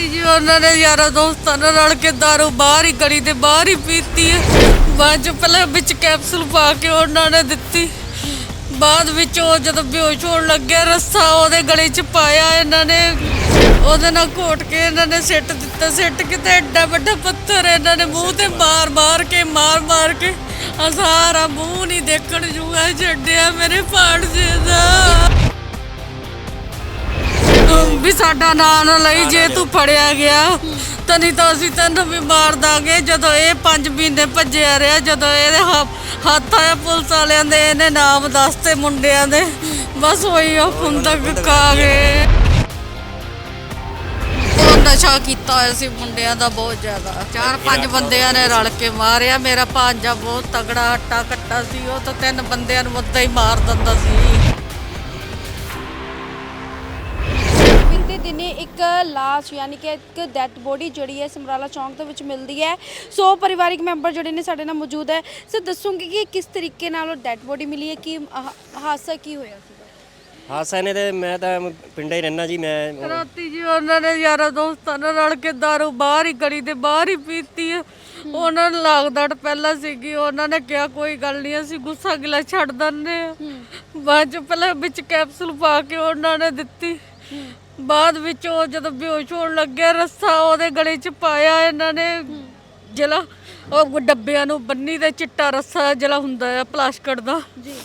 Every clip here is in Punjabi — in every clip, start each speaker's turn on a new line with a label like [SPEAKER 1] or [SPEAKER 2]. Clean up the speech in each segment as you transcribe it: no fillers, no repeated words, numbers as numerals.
[SPEAKER 1] ਜੀ ਉਹਨਾਂ ਨੇ ਯਾਰਾਂ ਦੋਸਤਾਂ ਨਾਲ ਰਲ ਕੇ ਦਾਰੂ ਬਾਹਰ ਹੀ ਗਲੀ ਦੇ ਬਾਹਰ ਹੀ ਪੀਤੀ ਹੈ। ਬਾਅਦ ਚ ਪਹਿਲਾਂ ਵਿੱਚ ਕੈਪਸੂਲ ਪਾ ਕੇ ਉਹਨਾਂ ਨੇ ਦਿੱਤੀ। ਬਾਅਦ ਵਿੱਚ ਉਹ ਜਦੋਂ ਬੇਹੋਸ਼ ਹੋਣ ਲੱਗਿਆ ਰੱਸਾ ਉਹਦੇ ਗਲੇ 'ਚ ਪਾਇਆ ਇਹਨਾਂ ਨੇ, ਉਹਦੇ ਨਾਲ ਘੋਟ ਕੇ ਇਹਨਾਂ ਨੇ ਸਿੱਟ ਦਿੱਤਾ। ਸਿੱਟ ਕੇ ਤੇ ਐਡਾ ਵੱਡਾ ਪੱਥਰ ਇਹਨਾਂ ਨੇ ਮੂੰਹ ਤੇ ਮਾਰ ਮਾਰ ਕੇ ਸਾਰਾ ਮੂੰਹ ਨਹੀਂ ਦੇਖਣ ਜੂਗਾ ਛੱਡਿਆ ਮੇਰੇ ਭਾਣਜੇ ਦਾ। ਵੀ ਸਾਡਾ ਨਾਂ ਨਾ ਲਈ, ਜੇ ਤੂੰ ਫੜਿਆ ਗਿਆ ਤਾਂ ਨਹੀਂ ਤਾਂ ਅਸੀਂ ਤੈਨੂੰ ਵੀ ਮਾਰ ਦਾਂਗੇ। ਜਦੋਂ ਇਹ 5 ਮਹੀਨੇ ਭੱਜਿਆ ਰਿਹਾ, ਜਦੋਂ ਇਹਦੇ ਹੱਥ ਆਇਆ ਪੁਲਿਸ ਵਾਲਿਆਂ ਦੇ, ਇਹਨੇ ਨਾਮ ਦੱਸਤੇ ਮੁੰਡਿਆਂ ਦੇ, ਬਸ ਉਹੀ ਉਹ ਖੁੰਦਕ ਖਾ ਗਏ। ਉਹ ਨਸ਼ਾ ਕੀਤਾ ਹੋਇਆ ਸੀ ਮੁੰਡਿਆਂ ਦਾ ਬਹੁਤ ਜ਼ਿਆਦਾ, 4-5 ਬੰਦਿਆਂ ਨੇ ਰਲ ਕੇ ਮਾਰਿਆ। ਮੇਰਾ ਭਾਂਜਾ ਬਹੁਤ ਤਗੜਾ ਹੱਟਾ ਕੱਟਾ ਸੀ, ਉਹ ਤਾਂ 3 ਬੰਦਿਆਂ ਨੂੰ ਉੱਦਾਂ ਹੀ ਮਾਰ ਦਿੰਦਾ ਸੀ।
[SPEAKER 2] ਬੀਤੇ ਦਿਨੇ ਇੱਕ ਲਾਸ਼ ਯਾਨੀ ਕਿ ਇੱਕ ਡੈਡ ਬੋਡੀ ਜਿਹੜੀ ਹੈ ਸਮਰਾਲਾ ਚੌਂਕ ਦੇ ਵਿੱਚ ਮਿਲਦੀ ਹੈ। ਸੋ ਪਰਿਵਾਰਿਕ ਮੈਂਬਰ ਜਿਹੜੇ ਨੇ ਸਾਡੇ ਨਾਲ ਮੌਜੂਦ ਹੈ। ਸੋ ਦੱਸੂਗੀ ਕਿ ਕਿਸ ਤਰੀਕੇ ਨਾਲ ਉਹ ਡੈਡ ਬੋਡੀ ਮਿਲੀ ਹੈ, ਕਿ ਹਾਦਸਾ ਕੀ ਹੋਇਆ ਸੀਗਾ।
[SPEAKER 3] ਹਾਦਸਾ ਨੇ ਤੇ ਮੈਂ ਤਾਂ ਪਿੰਡਾਂ ਹੀ ਰਹਿਣਾ ਜੀ। ਮੈਂ
[SPEAKER 1] ਰਾਤੀ ਜੀ ਉਹਨਾਂ ਨੇ ਯਾਰਾਂ ਦੋਸਤਾਂ ਨਾਲ ਰਲ ਕੇ ਦਾਰੂ ਬਾਹਰ ਹੀ ਗਲੀ ਦੇ ਬਾਹਰ ਹੀ ਪੀਤੀ ਹੈ। ਉਹਨਾਂ ਨੂੰ ਲਾਗਦੜ ਪਹਿਲਾਂ ਸੀਗੀ, ਉਹਨਾਂ ਨੇ ਕਿਹਾ ਕੋਈ ਗੱਲ ਨਹੀਂ ਅਸੀਂ ਗੁੱਸਾ ਗਿਲਾ ਛੱਡ ਦਿੰਦੇ ਆ। ਬਾਅਦ ਚ ਪਹਿਲਾਂ ਵਿੱਚ ਕੈਪਸੂਲ ਪਾ ਕੇ ਉਹਨਾਂ ਨੇ ਦਿੱਤੀ। ਬਾਅਦ ਵਿੱਚ ਉਹ ਜਦੋਂ ਬੇਹੋਸ਼ ਹੋਣ ਲੱਗਿਆ ਰੱਸਾ ਉਹਦੇ ਗਲੇ 'ਚ ਪਾਇਆ ਇਹਨਾਂ ਨੇ, ਜਿਹੜਾ ਉਹ ਡੱਬਿਆਂ ਨੂੰ ਬੰਨੀ ਤੇ ਚਿੱਟਾ ਰੱਸਾ ਜਿਹੜਾ ਹੁੰਦਾ ਆ ਪਲਾਸਟਿਕ ਦਾ,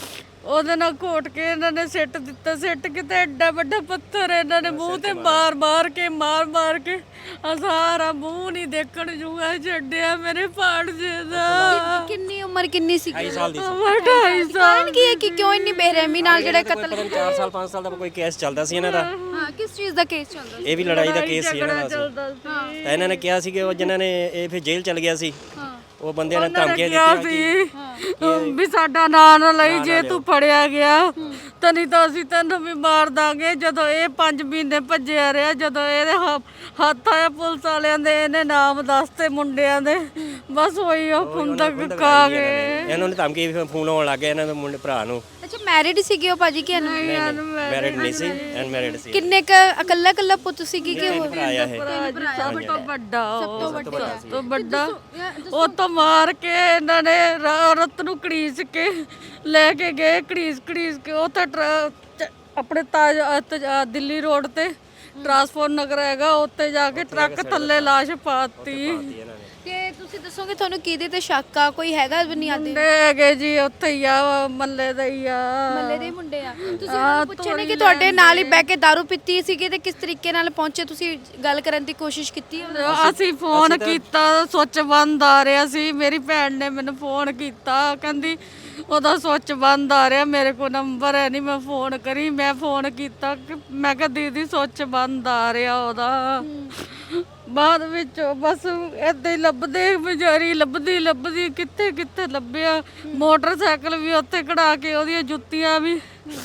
[SPEAKER 1] ਉਹਦੇ ਨਾਲ ਘੋਟ ਕੇ ਇਹਨਾਂ ਨੇ ਸਿੱਟ ਦਿੱਤਾ। ਸਿੱਟ ਕੇ ਤੇ ਐਡਾ ਵੱਡਾ ਪੱਥਰ ਇਹਨਾਂ ਨੇ ਮੂੰਹ ਤੇ ਮਾਰ ਕੇ ਸਾਰਾ ਮੂੰਹ ਨਹੀਂ ਦੇਖਣ ਜੂਗਾ ਛੱਡਿਆ ਮੇਰੇ ਭਾਣਜੇ ਦਾ।
[SPEAKER 2] ਕਿੰਨੀ ਉਮਰ ਕਿੰਨੀ ਸੀ?
[SPEAKER 3] 2.5 ਸਾਲ ਦੀ ਸੀ।
[SPEAKER 1] 2.5 ਸਾਲ
[SPEAKER 2] ਕੀ ਹੈ ਕਿ ਕਿਉਂ ਇੰਨੀ ਬੇਰਹਿਮੀ ਨਾਲ ਜਿਹੜਾ ਕਤਲ
[SPEAKER 3] 4 ਸਾਲ 5 ਸਾਲ ਦਾ ਕੋਈ ਕੇਸ ਚੱਲਦਾ ਸੀ ਇਹਨਾਂ ਦਾ।
[SPEAKER 2] ਹਾਂ, ਕਿਸ ਚੀਜ਼ ਦਾ ਕੇਸ ਚੱਲਦਾ ਸੀ?
[SPEAKER 3] ਇਹ ਵੀ ਲੜਾਈ ਦਾ ਕੇਸ ਸੀ ਇਹਨਾਂ ਦਾ।
[SPEAKER 1] ਚੱਲਦਾ ਸੀ।
[SPEAKER 3] ਤਾਂ ਇਹਨਾਂ ਨੇ ਕਿਹਾ ਸੀ ਕਿ ਉਹ ਜਿਨ੍ਹਾਂ ਨੇ ਇਹ ਫਿਰ ਜੇਲ੍ਹ ਚਲ ਗਿਆ ਸੀ, ਉਹ ਬੰਦਿਆਂ ਨੇ
[SPEAKER 1] ਉਹਨਾਂ ਨੇ
[SPEAKER 3] ਧਮਕੀਆਂ
[SPEAKER 1] ਕਿਹਾ
[SPEAKER 3] ਦਿੱਤੀਆਂ
[SPEAKER 1] ਸੀ ਵੀ ਸਾਡਾ ਨਾਂ ਨਾ ਲਈ, ਜੇ ਤੂੰ ਫੜਿਆ ਗਿਆ ਤਾਂ ਨਹੀਂ ਤਾਂ ਅਸੀਂ ਤੈਨੂੰ ਵੀ ਮਾਰ ਦਾਂਗੇ। ਜਦੋਂ ਇਹ 5 ਮਹੀਨੇ ਭੱਜਿਆ ਰਿਹਾ, ਜਦੋਂ ਇਹਦੇ ਹੱਥ ਆਇਆ ਪੁਲਿਸ ਵਾਲਿਆਂ ਦੇ, ਇਹਨੇ ਨਾਮ ਦੱਸਤੇ ਮੁੰਡਿਆਂ ਦੇ, ਬਸ ਉਹੀ ਉਹ ਖੁੰਦਕ ਖਾ ਗਏ।
[SPEAKER 3] ਇਹਨਾਂ ਨੇ ਧਮਕੀ ਫੋਨ ਆਉਣ ਲੱਗ ਗਿਆ ਇਹਨਾਂ ਦੇ ਮੁੰਡੇ ਭਰਾ ਨੂੰ।
[SPEAKER 2] ਅੱਛਾ, ਮੈਰਿਡ ਸੀਗੇ ਉਹ ਭਾਜੀ ਕਿ
[SPEAKER 3] ਮੈਰਿਡ ਨਹੀਂ ਸੀ, ਅਨਮੈਰਿਡ ਸੀ।
[SPEAKER 2] ਕਿੰਨੇ ਕ ਇਕੱਲਾ ਪੁੱਤ ਸੀਗੀ ਕਿ ਹੋਰ?
[SPEAKER 3] ਭਰਾ ਆ ਇਹ
[SPEAKER 1] ਸਭ ਤੋਂ ਵੱਡਾ
[SPEAKER 2] ਸਭ
[SPEAKER 1] ਤੋਂ ਵੱਡਾ। ਉਹ ਤੋਂ ਮਾਰ ਕੇ ਇਹਨਾਂ ਨੇ ਔਰਤ ਨੂੰ ਘੜੀਸ ਕੇ ਲੈ ਕੇ ਗਏ, ਘੜੀਸ ਕੇ ਉਹ ਤਾਂ ਆਪਣੇ ਦਿੱਲੀ ਰੋਡ ਤੇ ਟਰਾਂਸਪੋਰਟ ਨਗਰ ਹੈਗਾ, ਉੱਤੇ ਜਾ ਕੇ ਟਰੱਕ ਥੱਲੇ ਲਾਸ਼ ਪਾਤੀ।
[SPEAKER 2] ਤੇ ਤੁਸੀਂ ਦੱਸੋਗੇ ਤੁਹਾਨੂੰ ਕਿਹਦੇ ਤੇ ਸ਼ੱਕ ਆ? ਕੋਈ ਹੈਗਾ ਬੁਨਿਆਦੀ?
[SPEAKER 1] ਮੁੰਡੇ ਹੈਗੇ ਜੀ ਉੱਥੇ ਹੀ ਆ, ਮੱਲੇ ਦੇ ਹੀ ਆ,
[SPEAKER 2] ਮੱਲੇ ਦੇ ਮੁੰਡੇ ਆ। ਤੁਸੀਂ ਉਹਨਾਂ ਨੂੰ ਪੁੱਛਿਆ ਨਹੀਂ ਕਿ ਤੁਹਾਡੇ ਨਾਲ ਹੀ ਬਹਿ ਕੇ ਦਾਰੂ ਪੀਤੀ ਸੀਗੀ ਤੇ ਕਿਸ ਤਰੀਕੇ ਨਾਲ ਪਹੁੰਚੇ? ਤੁਸੀਂ ਗੱਲ ਕਰਨ ਦੀ ਕੋਸ਼ਿਸ਼ ਕੀਤੀ?
[SPEAKER 1] ਅਸੀਂ ਫੋਨ ਕੀਤਾ, ਸੁੱਚ ਬੰਦ ਆ ਰਿਹਾ ਸੀ। ਮੇਰੀ ਭੈਣ ਨੇ ਮੈਨੂੰ ਫੋਨ ਕੀਤਾ, ਕਹਿੰਦੀ ਉਹਦਾ ਸੁੱਚ ਬੰਦ ਆ ਰਿਹਾ, ਮੇਰੇ ਕੋਲ ਨੰਬਰ ਹੈ ਨਹੀਂ, ਮੈਂ ਫੋਨ ਕਰੀ। ਮੈਂ ਫੋਨ ਕੀਤਾ, ਮੈਂ ਕਿਹਾ ਦੀਦੀ ਸੁੱਚ ਬੰਦ ਆ ਰਿਹਾ ਉਹਦਾ। ਬਾਅਦ ਵਿੱਚ ਬਸ ਏਦਾਂ ਹੀ ਲੱਭਦੇ, ਵਿਚਾਰੀ ਲੱਭਦੀ ਕਿੱਥੇ ਲੱਭਿਆ। ਮੋਟਰਸਾਈਕਲ ਵੀ ਉੱਥੇ ਖੜਾ ਕੇ, ਉਹਦੀਆਂ ਜੁੱਤੀਆਂ ਵੀ,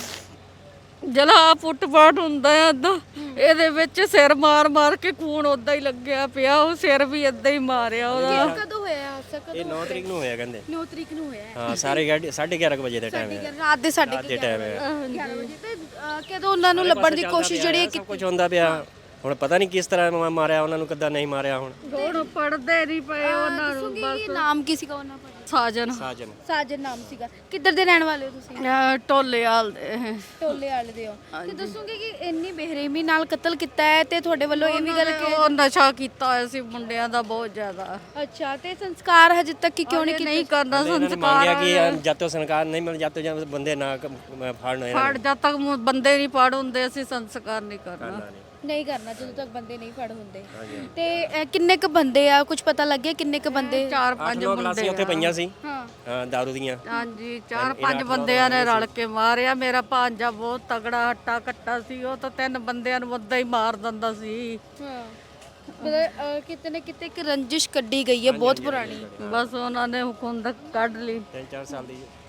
[SPEAKER 1] ਜਿਹੜਾ ਫੁੱਟਪਾਥ ਹੁੰਦਾ ਆ ਏਦਾਂ, ਇਹਦੇ ਵਿੱਚ ਸਿਰ ਮਾਰ ਕੇ ਖੂਨ ਓਦਾਂ ਹੀ ਲੱਗਿਆ ਪਿਆ। ਉਹ ਸਿਰ ਵੀ ਏਦਾਂ ਹੀ ਮਾਰਿਆ ਉਹਦਾ।
[SPEAKER 2] ਕਦੋਂ ਹੋਇਆ ਹਾਦਸਾ?
[SPEAKER 3] ਇਹ 9 ਤਰੀਕ ਨੂੰ ਹੋਇਆ ਕਹਿੰਦੇ।
[SPEAKER 2] 9 ਤਰੀਕ ਨੂੰ ਹੋਇਆ।
[SPEAKER 3] ਹਾਂ, ਸਾਰੇ 11:30 ਵਜੇ ਦਾ ਟਾਈਮ ਹੈ,
[SPEAKER 2] ਰਾਤ ਦੇ 11:30
[SPEAKER 3] ਟਾਈਮ ਹੈ।
[SPEAKER 2] 11 ਵਜੇ ਤੇ ਕਦੋਂ ਉਹਨਾਂ ਨੂੰ ਲੱਭਣ ਦੀ ਕੋਸ਼ਿਸ਼ ਜਿਹੜੀ
[SPEAKER 3] ਸਭ ਕੁਝ ਹੁੰਦਾ ਪਿਆ। ਹੁਣ ਪਤਾ ਨਹੀਂ ਕਿਸ ਤਰ੍ਹਾਂ ਮਾਰਿਆ ਉਹਨਾਂ ਨੂੰ, ਕਿੱਦਾਂ ਨਹੀਂ ਮਾਰਿਆ। ਹੁਣ
[SPEAKER 1] ਪੜਦੇ ਨਹੀਂ ਪਏ ਉਹਨਾਂ ਨੂੰ।
[SPEAKER 2] ਬਸ ਨਾਮ ਕੀ ਸੀਗਾ ਉਹਨਾਂ ਦਾ?
[SPEAKER 1] ਸਾਜਨ
[SPEAKER 2] ਨਾਮ ਸੀਗਾ। ਕਿੱਧਰ ਦੇ ਰਹਿਣ ਵਾਲੇ ਹੋ ਤੁਸੀਂ?
[SPEAKER 1] ਢੋਲੇਵਾਲ ਦੇ।
[SPEAKER 2] ਢੋਲੇਵਾਲ ਦੇ ਹੋ। ਤੇ ਦੱਸੋਗੇ ਕਿ ਇੰਨੀ ਬੇਰਹਿਮੀ ਨਾਲ ਕਤਲ ਕੀਤਾ ਹੈ ਤੇ ਤੁਹਾਡੇ ਵੱਲੋਂ ਇਹ ਵੀ ਗੱਲ ਕਿ
[SPEAKER 1] ਉਹ ਨਸ਼ਾ ਕੀਤਾ ਹੋਇਆ ਸੀ ਮੁੰਡਿਆਂ ਦਾ ਬਹੁਤ ਜ਼ਿਆਦਾ।
[SPEAKER 2] ਅੱਛਾ, ਤੇ ਸੰਸਕਾਰ ਹਜੇ ਤੱਕ ਕਿਉਂ ਨਹੀਂ
[SPEAKER 1] ਕਰਨਾ? ਸੰਸਕਾਰ
[SPEAKER 3] ਮੰਗਿਆ ਕਿ ਜਦ ਤੱਕ ਸੰਸਕਾਰ ਨਹੀਂ ਮਿਲ, ਜਦ ਤੱਕ ਬੰਦੇ ਨਾ ਫੜਨ,
[SPEAKER 1] ਜਦ ਤੱਕ ਬੰਦੇ ਨਹੀਂ ਫੜ ਹੁੰਦੇ ਅਸੀਂ ਸੰਸਕਾਰ ਨਹੀਂ ਕਰਨਾ।
[SPEAKER 2] ਨਹੀਂ ਕਰਨਾ ਜਦੋਂ ਤੱਕ ਬੰਦੇ ਨਹੀਂ ਫੜ ਹੁੰਦੇ। ਤੇ ਕਿੰਨੇ ਕ ਬੰਦੇ ਆ, ਕੁਝ ਪਤਾ ਲੱਗਿਆ ਕਿੰਨੇ ਕ ਬੰਦੇ?
[SPEAKER 1] 4-5
[SPEAKER 3] ਗਲਾਸੀਆਂ ਉੱਥੇ ਪਈਆਂ ਸੀ।
[SPEAKER 2] ਹਾਂ,
[SPEAKER 3] ਦਾਰੂ ਦੀਆਂ।
[SPEAKER 1] ਹਾਂਜੀ, 4-5 ਬੰਦਿਆਂ ਨੇ ਰਲ ਕੇ ਮਾਰਿਆ। ਮੇਰਾ ਭਾਂਜਾ ਬਹੁਤ ਤਗੜਾ ਹੱਟਾ ਕੱਟਾ ਸੀ, ਉਹ ਤਾਂ 3 ਬੰਦਿਆਂ ਨੂੰ ਉੱਦਾਂ ਹੀ ਮਾਰ ਦਿੰਦਾ ਸੀ।
[SPEAKER 2] ਹਾਂ, ਮਤਲਬ ਕਿਤੇ ਨਾ ਕਿਤੇ ਇੱਕ ਰੰਜਿਸ਼ ਕੱਢੀ ਗਈ ਹੈ ਬਹੁਤ ਪੁਰਾਣੀ।
[SPEAKER 1] ਬਸ ਉਹਨਾਂ ਨੇ ਖੁੰਦਕ ਕੱਢ ਲਈ।
[SPEAKER 3] 3-4 ਸਾਲ ਦੀ।